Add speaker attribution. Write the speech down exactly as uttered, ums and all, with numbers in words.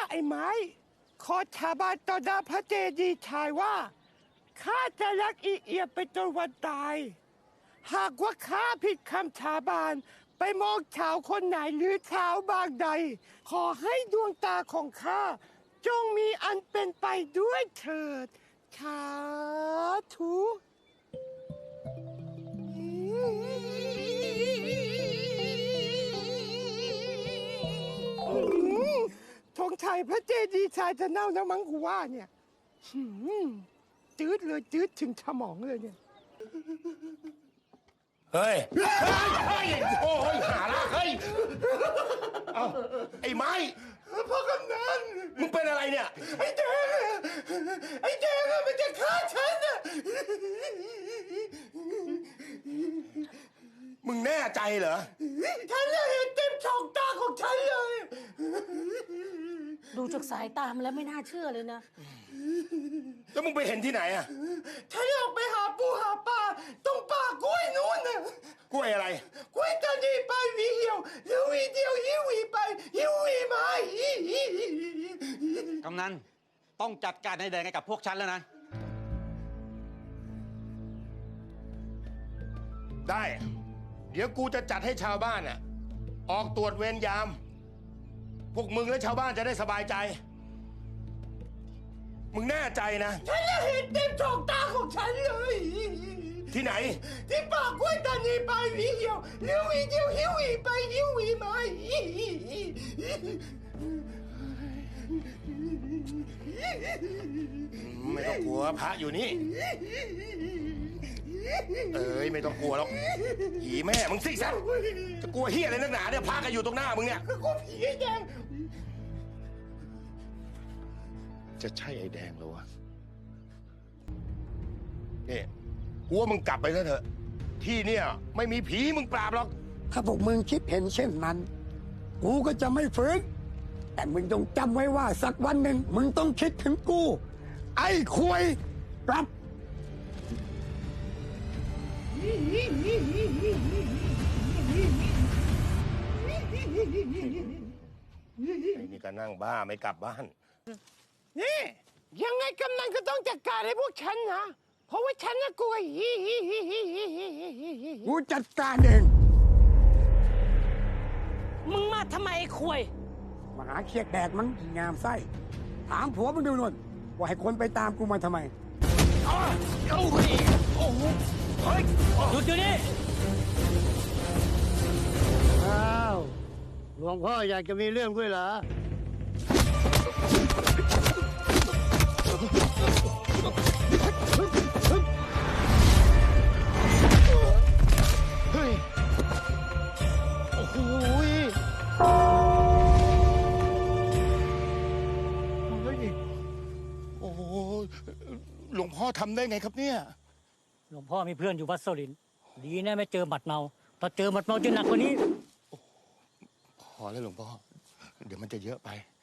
Speaker 1: ไอ้ไม้ขอสาบานต่อหน้าพระเจดีย์ชายว่าข้าจะรักอีเอียไปจนวันตายหากว่าข้าผิดคำสาบานไปมองชาวคนไหนหรือชาวบางใดขอให้ดวงตาของข้าจงมีอันเป็นไปด้วยเถิดสาธุธงชัยพระเจดีย์ชายจะเน่าแล้วมั้งกูว่าเนี่ยจืดเลยจืดถึงสมองเลยเนี่ย
Speaker 2: เฮ้ยเฮ้ยโอ้ยหาละเฮ้ยเอาไอ้ไม้
Speaker 1: พ่อกำนัน
Speaker 2: มึงเป็นอะไรเนี่ย
Speaker 1: ไอ้แดงไอ้แดงมันจะฆ่าฉันน่ะ
Speaker 2: มึงแน่ใจเหรอ
Speaker 1: ฉันเห็นเต็มช่องตาของฉันเลย
Speaker 3: ดูจากสายตามแล้วไม่น่าเชื่อเลยนะ
Speaker 2: แล้วมึงไปเห็นที่ไหนอ่ะ
Speaker 1: ฉันออกไปหาปูหาปลาตรงป่ากล้วยนู้นน่ะ
Speaker 2: กล้วยอะไร
Speaker 1: กล้วยตานีไปวีเหี่ยวแล้ววีเดียวหิววีไปหิววีมาก
Speaker 4: ำนันต้องจัดการให้แดงให้กับพวกฉันแล้วนะ
Speaker 2: ได้เดี๋ยวกูจะจัดให้ชาวบ้านอ่ะออกตรวจเวรยามพวกมึงและชาวบ้านจะได้สบายใจมึงแน่ใจนะ
Speaker 1: ฉันเห็นเต็มช่องตาของฉันเลย
Speaker 2: ที่ไหน
Speaker 1: ที่ปากกล้วยตานีไปวีเหี่ยวแล้ววีเดียวหิววีไปหิววีมา
Speaker 2: ไม่ต้องกลัวพระอยู่นี่เอ้ยไม่ต้องกลัวหรอกผีแม่มึงสิสัตว์จะกลัวเฮียอะไรนักหนาเนี่ยพระกันอยู่ตรงหน้ามึงเนี่ย
Speaker 1: กลัวผีไอ้แดง
Speaker 2: จะใช่ไอ้แดงเหรอวะนี่กูว่ามึงกลับไปซะเถอะที่เนี่ยไม่มีผีมึงปราบหรอก
Speaker 1: ถ้าพวกมึงคิดเห็นเช่นนั้นกูก็จะไม่ฝืนแต่มึงต้องจำไว้ว่าสักวันหนึ่งมึงต้องคิดถึงกูไอ้ควยกลับ
Speaker 2: ไอ้นี่ก็นั่งบ้าไม่กลับบ้าน
Speaker 1: นี่ยังไงกำนันก็ต้องจัดการให้พวกฉันนะเพราะว่าฉันน่ะกลัวกูจัดการเอง
Speaker 3: มึงมาทำไมไอ้ควย
Speaker 1: มาหาเคียดแดดมันงามไส้ถามผัวมึงดูนวลว่าให้คนไปตามกูมาทำไม
Speaker 2: อ้าวโอ้โหเฮ้ย
Speaker 3: หยุดอยู่นี่
Speaker 5: อ้าวหลวงพ่ออยากจะมีเรื่องด้วยเหรอ
Speaker 2: เฮ้ยโอ้โหเฮ้ยโอ้โหหลวงพ่อทำได้ไงครับเนี่ย
Speaker 5: หลวงพ่อมีเพื่อนอยู่วัดโซลินดีนะไม่เจอหมัดเมาถ้าเจอหมัดเมาจะหนักกว่านี้
Speaker 2: พอแล้วหลวงพ่อเดี๋ยวมันจะเยอะไป